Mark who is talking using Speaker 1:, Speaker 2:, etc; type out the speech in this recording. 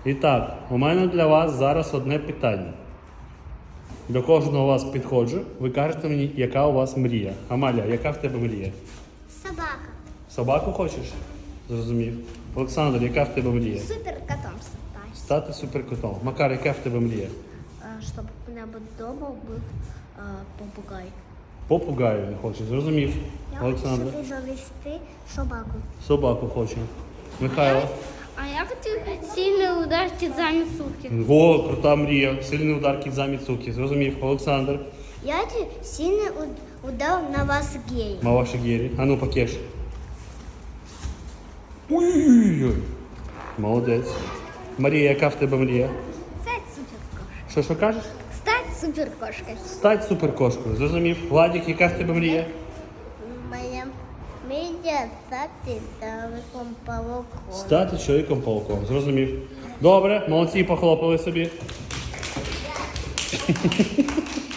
Speaker 1: І так, у мене для вас зараз одне питання. До кожного вас підходжу, ви кажете мені, яка у вас мрія. Амалія, яка в тебе мрія?
Speaker 2: Собака.
Speaker 1: Собаку хочеш? Зрозумів. Олександр, яка в тебе мрія?
Speaker 2: Суперкотом стать.
Speaker 1: Стати суперкотом. Макар, яка в тебе мрія?
Speaker 2: Чтобы у меня дома был попугай.
Speaker 1: Попугаю не хочеш. Зрозумів.
Speaker 2: Я
Speaker 1: Олександр.
Speaker 2: хочу завести собаку.
Speaker 1: Собаку хоче. Михайло.
Speaker 2: А я хочу сильный удар кидзами суки.
Speaker 1: О, крута мрія. Сильний удар кідза Міцукі. Зрозумів. Олександр.
Speaker 2: Я хочу сильный удар на вас гей.
Speaker 1: Маваші Гері. А ну, покеш. Ой-ой-ой. Молодець. Марія, яка в тебе мрія?
Speaker 2: Стать суперкошкой.
Speaker 1: Що кажеш?
Speaker 2: Стать суперкошкой.
Speaker 1: Стать суперкошкою. Зрозумів. Владик, яка в тебе мрія?
Speaker 2: Моя мрія стати чоловіком павуком.
Speaker 1: Стати чоловіком-пауком. Зрозумів. Добре, молодці, похлопали собі.